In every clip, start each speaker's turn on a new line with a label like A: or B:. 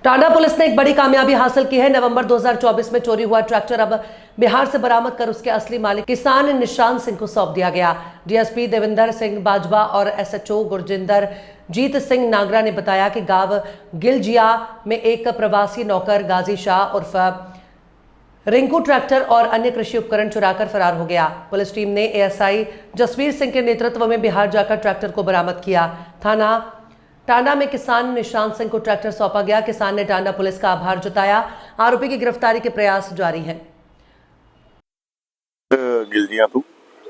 A: Tanda police ने एक बड़ी कामयाबी हासिल की है। नवंबर 2024 में चोरी हुआ ट्रैक्टर अब बिहार से बरामद कर उसके असली मालिक किसान निशान सिंह को सौंप दिया गया। डीएसपी देविंदर सिंह बाजवा और एसएचओ गुरजिंदर जीत सिंह नागरा ने बताया कि गांव गिलजिया में एक प्रवासी नौकर गाजी शाह उर्फ रिंकू ट्रैक्टर और अन्य कृषि उपकरण चुराकर फरार हो गया। पुलिस टीम ने एएसआई जसवीर सिंह के नेतृत्व में बिहार जाकर ट्रैक्टर को बरामद किया। थाना टांडा में किसान निशान सिंह को ट्रैक्टर सौंपा गया। किसान ने टांडा पुलिस का आभार जताया। आरोपी की गिरफ्तारी के प्रयास जारी हैं।
B: गिलजिया तो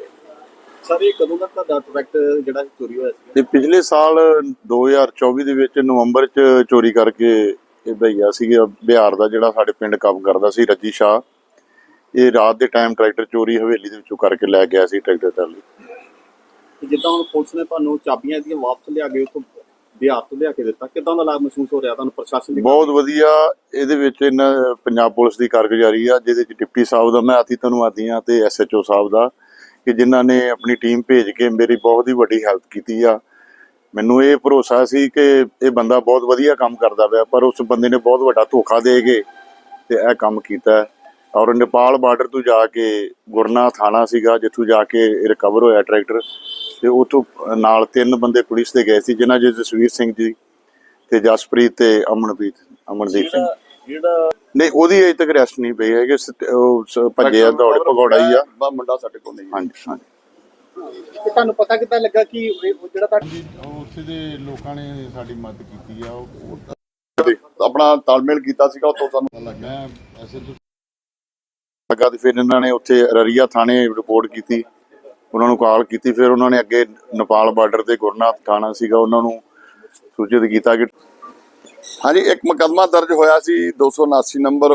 C: सर ये कदों तक ਦਾ ਟਰੈਕਟਰ ਜਿਹੜਾ ਚੋਰੀ ਹੋਇਆ ਸੀ?
B: ਇਹ ਪਿਛਲੇ ਸਾਲ 2024 ਦੇ ਵਿੱਚ ਨਵੰਬਰ ਚ ਚੋਰੀ ਕਰਕੇ ਇਹ ਭਈਆ ਸੀਗਾ ਬਿਹਾਰ ਦਾ ਜਿਹੜਾ ਸਾਡੇ ਪਿੰਡ ਕੰਮ ਕਰਦਾ ਸੀ ਰੱਜੀ ਸ਼ਾਹ। ਇਹ ਰਾਤ ਦੇ ਟਾਈਮ ਟਰੈਕਟਰ ਚੋਰੀ ਹਵੇਲੀ ਦੇ ਵਿੱਚੋਂ ਕਰਕੇ ਲੈ ਗਿਆ ਸੀ ਟਰੈਕਟਰ ਟਰਾਲੀ।
C: ਜਿੱਦਾਂ ਹੁਣ ਪੁਲਿਸ ਨੇ ਤੁਹਾਨੂੰ ਚਾਬੀਆਂ ਦੀਆਂ ਵਾਪਸ ਲਿਆ ਕੇ ਤੋਂ ਬਿਹਾਰ ਤੋਂ ਲਿਆ ਕੇ ਦਿੱਤਾ, ਕਿਦਾਂ ਦਾ ਲਾਭ ਮਹਿਸੂਸ ਹੋ ਰਿਹਾ ਤੁਹਾਨੂੰ ਪ੍ਰਸ਼ਾਸਨ ਦੀ?
B: ਬਹੁਤ ਵਧੀਆ। ਇਹਦੇ ਵਿੱਚ ਇਹਨਾਂ ਪੰਜਾਬ ਪੁਲਿਸ ਦੀ ਕਾਰਗੁਜ਼ਾਰੀ ਆ, ਜਿਹਦੇ ਚ ਡਿਪਟੀ ਸਾਹਿਬ ਦਾ ਮੈਂ ਅਤੀ ਧੰਨਵਾਦੀ ਹਾਂ ਤੇ ਐਸਐਚਓ ਸਾਹਿਬ ਦਾ ਕਿ ਜਿਨ੍ਹਾਂ ਨੇ ਆਪਣੀ ਟੀਮ ਭੇਜ ਕੇ ਮੇਰੀ ਬਹੁਤ ਹੀ ਵੱਡੀ ਹੈਲਪ ਕੀਤੀ ਆ। ਮੈਨੂੰ ਇਹ ਭਰੋਸਾ ਸੀ ਕਿ ਇਹ ਬੰਦਾ ਬਹੁਤ ਵਧੀਆ ਕੰਮ ਕਰਦਾ ਪਿਆ, ਪਰ ਉਸ ਬੰਦੇ ਨੇ ਬਹੁਤ ਵੱਡਾ ਧੋਖਾ ਦੇ ਕੇ ਤੇ ਇਹ ਕੰਮ ਕੀਤਾ। ਔਰ ਨੇਪਾਲ ਬਾਰਡਰ ਤੋਂ ਜਾ ਕੇ ਗੁਰਨਾ ਥਾਣਾ ਸੀਗਾ ਜਿੱਥੋਂ ਜਾ ਕੇ ਰਿਕਵਰ ਹੋਇਆ ਟਰੈਕਟਰ, ਤੇ ਉੱਥੋਂ ਨਾਲ 3 ਬੰਦੇ ਪੁਲਿਸ ਦੇ ਗਏ ਸੀ ਜਿਨ੍ਹਾਂ ਚ ਜਸਵੀਰ ਸਿੰਘ ਜੀ ਤੇ ਜਸਪ੍ਰੀਤ ਤੇ ਅਮਨਦੀਪ ਸਿੰਘ।
C: ਜਿਹੜਾ
B: ਨਹੀਂ ਉਹਦੀ ਅਜੇ ਤੱਕ ਅਰੈਸਟ ਨਹੀਂ ਪਈ ਹੈਗੀ, ਉਹ ਭੱਜੇ ਆ, ਦੌੜ ਭਗੌੜਾ ਹੀ ਆ।
C: ਮੁੰਡਾ ਸਾਡੇ ਕੋਲ ਨਹੀਂ।
B: ਹਾਂਜੀ ਹਾਂਜੀ।
C: ਤੇ ਤੁਹਾਨੂੰ ਪਤਾ ਕਿੱਦਾਂ ਲੱਗਾ ਕਿ ਉਹ ਜਿਹੜਾ
B: ਉੱਥੇ ਦੇ ਲੋਕਾਂ ਨੇ ਸਾਡੀ ਮਦਦ ਕੀਤੀ ਆ, ਉਹ
C: ਆਪਣਾ ਤਾਲਮੇਲ ਕੀਤਾ ਸੀਗਾ, ਉੱਥੋਂ ਸਾਨੂੰ
B: ਲੱਗਾ ਐਸੇ ਲੱਗਾ। ਤੇ ਫਿਰ ਇਹਨਾਂ ਨੇ ਉੱਥੇ ਰਰੀਆ ਥਾਣੇ ਰਿਪੋਰਟ ਕੀਤੀ, ਉਹਨਾਂ ਨੂੰ ਕਾਲ ਕੀਤੀ। ਫਿਰ ਉਹਨਾਂ ਨੇ ਅੱਗੇ ਨੇਪਾਲ ਬਾਰਡਰ ਤੇ ਗੁਰਨਾਥ ਥਾਣਾ ਸੀਗਾ, ਉਹਨਾਂ ਨੂੰ ਸੂਚਿਤ ਕੀਤਾ ਕਿ
D: ਹਾਂਜੀ ਇੱਕ ਮੁਕੱਦਮਾ ਦਰਜ ਹੋਇਆ ਸੀ 279 ਨੰਬਰ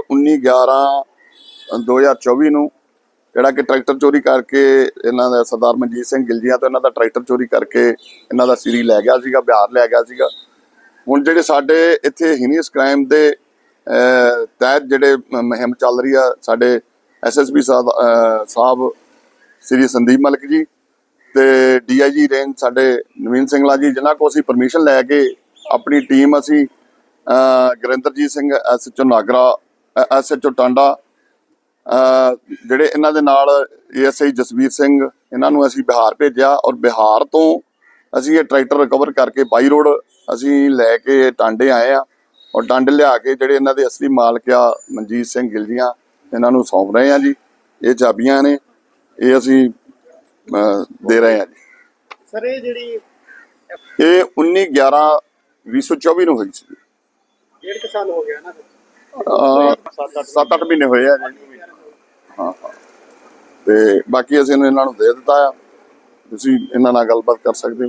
D: 19/11/2024 ਨੂੰ, ਜਿਹੜਾ ਕਿ ਟਰੈਕਟਰ ਚੋਰੀ ਕਰਕੇ ਇਹਨਾਂ ਦਾ ਸਰਦਾਰ ਮਨਜੀਤ ਸਿੰਘ ਗਿਲਜੀਆਂ ਤੋਂ ਇਹਨਾਂ ਦਾ ਟਰੈਕਟਰ ਚੋਰੀ ਕਰਕੇ ਇਹਨਾਂ ਦਾ ਸੀਰੀ ਲੈ ਗਿਆ ਸੀਗਾ, ਬਿਹਾਰ ਲੈ ਗਿਆ ਸੀਗਾ। ਹੁਣ ਜਿਹੜੇ ਸਾਡੇ ਇੱਥੇ ਹੀਨੀਅਸ ਕ੍ਰਾਈਮ ਦੇ ਤਹਿਤ ਜਿਹੜੇ ਮੁਹਿੰਮ ਚੱਲ ਰਹੀ ਆ, ਸਾਡੇ ਐਸਐਸਪੀ ਸਾਹਿਬ ਸ੍ਰੀ ਸੰਦੀਪ ਮਲਿਕ ਜੀ ਤੇ ਡੀਆਈਜੀ ਰੇਂਜ ਸਾਡੇ ਨਵੀਨ ਸਿੰਘਲਾ ਜੀ, ਜਿਨ੍ਹਾਂ ਕੋਲ ਅਸੀਂ ਪਰਮਿਸ਼ਨ ਲੈ ਕੇ ਆਪਣੀ ਟੀਮ ਅਸੀਂ ਗੁਰਿੰਦਰਜੀਤ ਸਿੰਘ ਐਸਐਚਓ ਨਾਗਰਾ, ਐਸਐਚਓ ਟਾਂਡਾ, ਜਿਹੜੇ ਇਹਨਾਂ ਦੇ ਨਾਲ ਏਐਸਆਈ ਜਸਵੀਰ ਸਿੰਘ, ਇਹਨਾਂ ਨੂੰ ਅਸੀਂ ਬਿਹਾਰ ਭੇਜਿਆ। ਔਰ ਬਿਹਾਰ ਤੋਂ ਅਸੀਂ ਇਹ ਟਰੈਕਟਰ ਰਿਕਵਰ ਕਰਕੇ ਬਾਈ ਰੋਡ ਅਸੀਂ ਲੈ ਕੇ ਟਾਂਡੇ ਆਏ ਆ। ਔਰ ਟਾਂਡੇ ਲਿਆ ਕੇ ਜਿਹੜੇ ਇਹਨਾਂ ਦੇ ਅਸਲੀ ਮਾਲਕ ਆ ਮਨਜੀਤ ਸਿੰਘ ਗਿਲਜੀਆਂ, ਇਹਨਾਂ ਨੂੰ ਸੌਂਪ ਰਹੇ ਆ ਜੀ। ਇਹ ਚਾਬੀਆਂ ਨੇ, ਇਹ ਅਸੀਂ ਦੇ ਰਹੇ ਆ ਜੀ।
C: ਸਰ ਇਹ ਜਿਹੜੀ
D: ਇਹ 19/11/2024 ਨੂੰ ਹੋਈ ਸੀ।
C: 1.5 ਸਾਲ ਹੋ ਗਿਆ ਨਾ?
D: 7-8 ਮਹੀਨੇ ਹੋਏ ਆ ਜੀ। ਹਾਂ ਤੇ ਬਾਕੀ ਅਸੀਂ ਇਹਨਾਂ ਨੂੰ ਦੇ ਦਿੱਤਾ ਆ, ਤੁਸੀਂ ਇਹਨਾਂ ਨਾਲ ਗੱਲਬਾਤ ਕਰ ਸਕਦੇ ਹੋ।